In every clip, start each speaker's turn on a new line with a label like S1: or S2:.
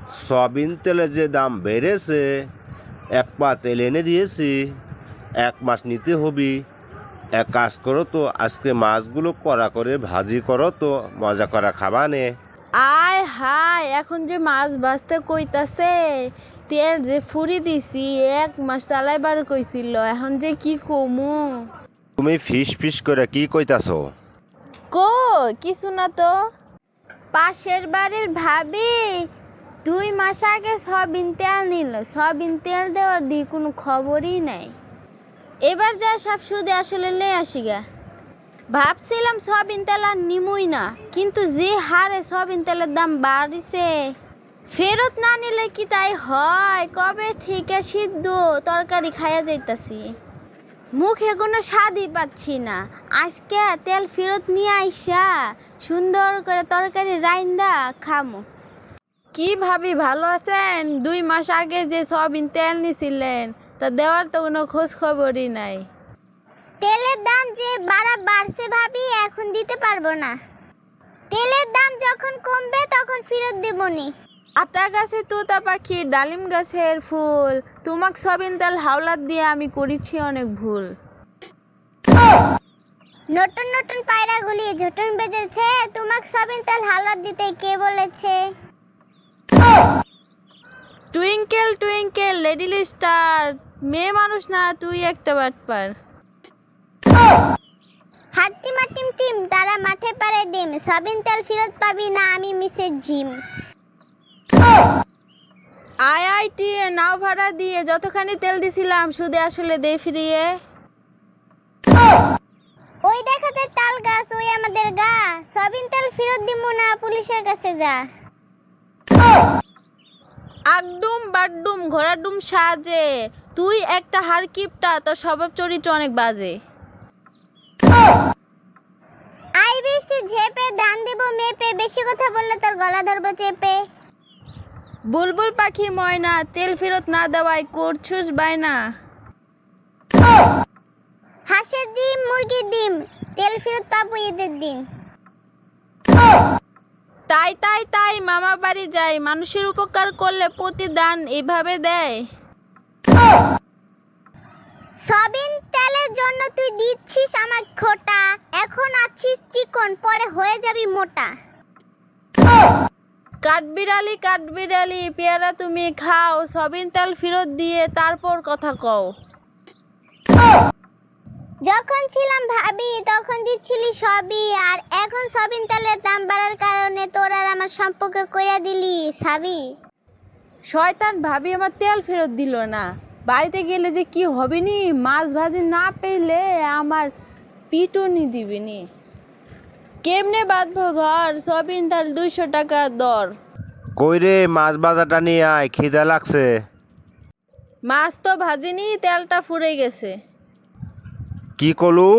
S1: Soybean তেলের যে দাম বেড়েছে, এক পা তেল এনে দিয়েছি, 1 মাস নিতে হবি। এক কাজ করো তো, আজকে মাছগুলো কড়া করে ভাজি করো তো, মজা করা খাবা নে।
S2: আয় হায়, এখন যে মাছ ভাজতে কইতাছে, তেল যে ফুরি দিছি 1 মাস চালাইবার কইছিল, এখন যে কি কমু।
S1: তুমি ফিস ফিস করে কি কইতাছো?
S2: কিছু না তো। পাশের বাড়ির ভাবি 2 মাস আগে সয়াবিন তেল নিল, সয়াবিন তেল দেওয়ার দিয়ে কোনো খবরই নাই। এবার যা সব সুদে আসলে লয়ে আসি গা। ভাবছিলাম সয়াবিন তেল আর নিমুই না, কিন্তু যে হারে সয়াবিন তেলের দাম বাড়িছে, ফেরত না নিলে কি তাই হয়? কবে থেকে সিদ্ধ তরকারি খাইয়া যাইতাছি, মুখে কোনো স্বাদই পাচ্ছি না। আজকে তেল ফেরত নিয়ে আইসা সুন্দর করে তরকারি রাইন্দা খামো। কি ভাবি, ভালো আছেন? 2 মাস আগে যে সয়াবিন তেল নিছিলেন, তা দেওয়ার তো কোনো খোঁজ খবরই নাই।
S3: তেলের দাম যে বাড়ছে ভাবি, এখন দিতে পারবো না। তেলের দাম যখন কমবে তখন ফেরত দেবনি।
S2: আতা গাছে তোতা পাখি, ডালিম গাছের ফুল, তোমাক সয়াবিন তেল হাওলাত দিয়ে আমি করেছি অনেক ভুল।
S3: নতুন নতুন পায়রা গুলি ঝুটুন বেজেছে, তোমাক সয়াবিন তেল হাওলাত দিতে কে বলেছে?
S2: টুইঙ্কেল টুইঙ্কেল লিটল স্টার, মেয়ে মানুষ না তুই একটা বাটপার।
S3: হাট্টিমা টিম টিম, তারা মাঠে পারে ডিম, সয়াবিন তেল ফেরত পাবি না, আমি মিসেস জিম।
S2: আইআইটি নাও ভাড়া দিয়ে যতখানি তেল দিছিলাম, সুদে আসলে দে ফিরিয়ে।
S3: ওই দেখাতে তাল গাছ, ওই আমাদের গা, সয়াবিন তেল ফেরত দিমু না, পুলিশের কাছে যা।
S2: আগডুম বাড্ডুম ঘোড়াডুম সাজে, তুই একটা হারকিপটা, তোর স্বভাব চরিত্র অনেক বাজে।
S3: আই বৃষ্টি ঝেপে, ধান দিব মেপে, বেশি কথা বললে তোর গলা ধরবো চেপে।
S2: বুলবুল পাখি ময়না, তেল ফেরত না দেওয়ায় করছুস বায়না।
S3: হাঁসের ডিম মুরগির ডিম, তেল ফেরত পাবো ঈদের দিন।
S2: তাই তাই তাই মামা বাড়ি যাই, মানুষের উপকার করলে প্রতিদান এইভাবে দেয়।
S3: সয়াবিন তেলের জন্য তুই দিচ্ছিস আমায় খোটা, এখন আছিস চিকন, পরে হয়ে যাবি মোটা।
S2: কাঠবিড়ালি পেয়ারা তুমি খাও, সয়াবিন তেল ফেরত দিয়ে তারপর কথা কও।
S3: যখন ছিলাম ভাবি তখন দিচ্ছিলি সবই, আর এখন সয়াবিন তেলের দাম বাড়ার কারণে তোর আর আমার সম্পর্ক কইরা দিলি সাবি।
S2: শয়তান ভাবি আমার তেল ফেরত দিল না, বাড়িতে গেলে যে কি হবে নি, মাছ ভাজি না পেলে আমার পিটুনি দিবিনি। কেমনে বাঁধবো ঘর, সয়াবিন তেল 200 টাকা দর।
S1: কই রে, মাছ বাজাটা নিয়ে আয়, খিদা লাগছে।
S2: মাছ তো ভাজিনি, তেলটা ফুরে গেছে।
S1: কি কলু?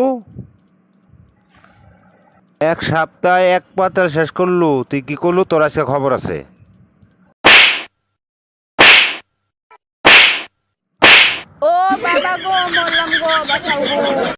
S1: 1 সপ্তাহে 1 পা তেল শেষ করলু, তুই কি করলু? তোর আজকে খবর আছে।
S2: ও বাবা গো, মরলাম গো, বাঁচাও গো।